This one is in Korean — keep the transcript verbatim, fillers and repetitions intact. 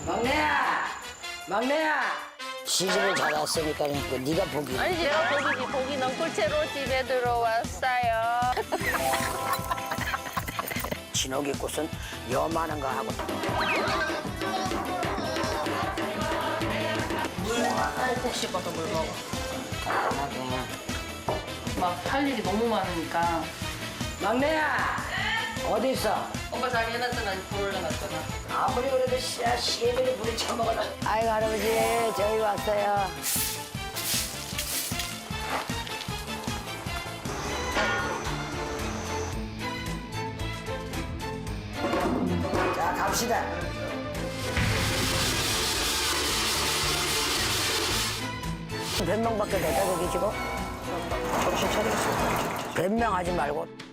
막내야! 막내야! 시집을 잘 왔으니까 그 네가 보기. 아니 제가 보기 보기 넝쿨채로 집에 들어왔어요. 진옥이 꽃은 요만한 거 하고. 꼭꼭 씹어서 물 먹어. 하게. 막 할 일이 너무 많으니까. 막내야! 어디 있어? 오빠 자기 해놨잖아. 불 올려놨잖아. 아무리 그래도 씨야 시애들이 물에 처먹어라. 아이고 할아버지 저희 왔어요. 자 갑시다. 몇 명밖에 됐다 저기 지금? 정신 차리겠어. 변명하지 말고.